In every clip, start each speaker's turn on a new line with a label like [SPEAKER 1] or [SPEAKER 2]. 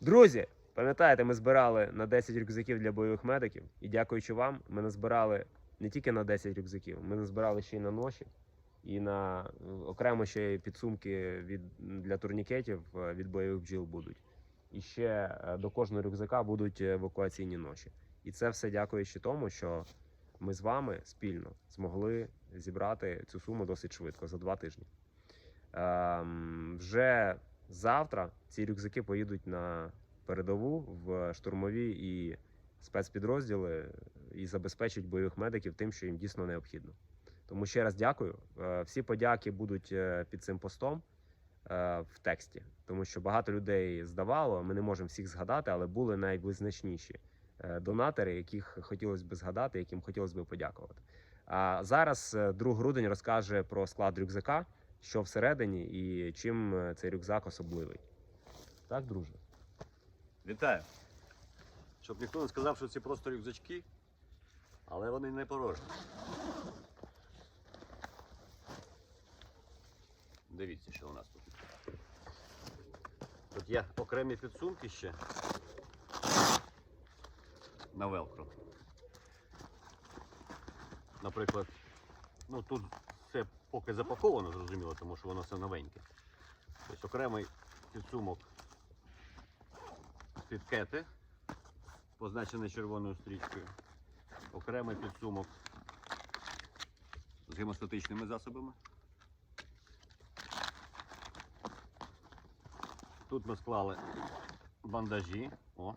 [SPEAKER 1] Друзі, пам'ятаєте, ми збирали на 10 рюкзаків для бойових медиків. І дякуючи вам, ми назбирали не тільки на 10 рюкзаків, ми назбирали ще й на ноші. І на окремо ще й підсумки для турнікетів від бойових бджіл будуть. І ще до кожного рюкзака будуть евакуаційні ноші. І це все дякуючи тому, що ми з вами спільно змогли зібрати цю суму досить швидко, за 2 тижні. Вже завтра ці рюкзаки поїдуть на передову в штурмові і спецпідрозділи і забезпечать бойових медиків тим, що їм дійсно необхідно. Тому ще раз дякую. Всі подяки будуть під цим постом в тексті, тому що багато людей здавало, ми не можемо всіх згадати, але були найвизначніші донатори, яких хотілося б згадати, яким хотілося б подякувати. А зараз друг Грудень розкаже про склад рюкзака, що всередині і чим цей рюкзак особливий. Так, друже?
[SPEAKER 2] Вітаю! Щоб ніхто не сказав, що це просто рюкзачки, але вони не порожні. Дивіться, що у нас тут. Тут є окремі підсумки ще на велкро. Наприклад, ну тут все поки запаковано, зрозуміло, тому що воно все новеньке. Тобто окремий підсумок під кети, позначений червоною стрічкою. Окремий підсумок з гемостатичними засобами. Тут ми склали бандажі. О.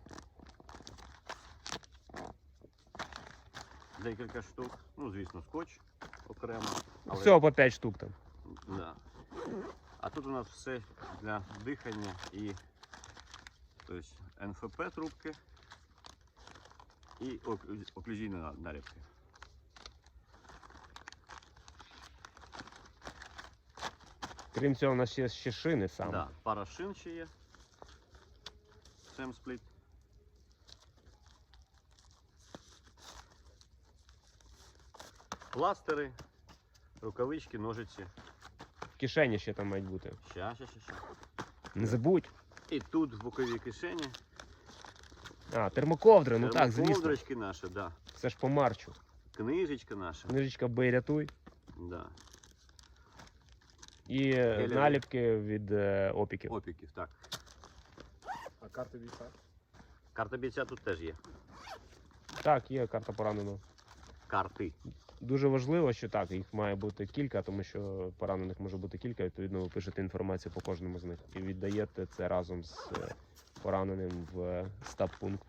[SPEAKER 2] Декілька штук. Ну, звісно, скотч окремо. Але...
[SPEAKER 1] Всього по 5 штук там.
[SPEAKER 2] Да. А тут у нас все для дихання і тобто, НФП трубки і оклюзійні наліпки.
[SPEAKER 1] Крім цього, у нас є ще шини саме.
[SPEAKER 2] Да, пара шин ще є. Семспліт. Пластири, рукавички, ножиці.
[SPEAKER 1] В кишені ще там мають бути.
[SPEAKER 2] Ща.
[SPEAKER 1] Не забудь.
[SPEAKER 2] І тут в боковій кишені.
[SPEAKER 1] А, термоковдри, ну так, звісно.
[SPEAKER 2] Термоковдрочки наші, да.
[SPEAKER 1] Це ж по марчу.
[SPEAKER 2] Книжечка наша.
[SPEAKER 1] Книжечка «Бий, рятуй».
[SPEAKER 2] Да.
[SPEAKER 1] І наліпки від опіків.
[SPEAKER 2] Опіків, так.
[SPEAKER 3] А карти бійця?
[SPEAKER 2] Карта бійця тут теж є.
[SPEAKER 1] Так, є карта пораненого.
[SPEAKER 2] Карти.
[SPEAKER 1] Дуже важливо, що так, їх має бути кілька, тому що поранених може бути кілька, відповідно ви пишете інформацію по кожному з них і віддаєте це разом з пораненим в стаб-пункт.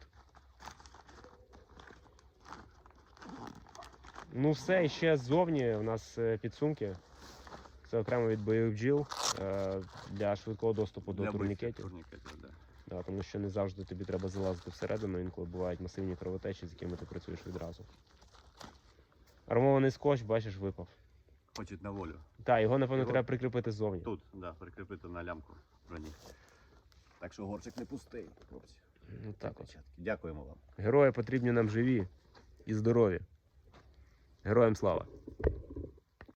[SPEAKER 1] Ну все, і ще ззовні у нас підсумки. Це окремо від бойових бджіл для швидкого доступу до турнікетів.
[SPEAKER 2] Да.
[SPEAKER 1] Да, тому що не завжди тобі треба залазити всередину, інколи бувають масивні кровотечі, з якими ти працюєш відразу. Армований скотч, бачиш, випав.
[SPEAKER 2] Хочуть на волю.
[SPEAKER 1] Так, його, напевно, треба прикріпити ззовні.
[SPEAKER 2] Тут, да, прикріпити на лямку броні. Так що горчик не пустий, хлопці.
[SPEAKER 1] Ну, так от.
[SPEAKER 2] Дякуємо вам.
[SPEAKER 1] Герої потрібні нам живі і здорові. Героям слава!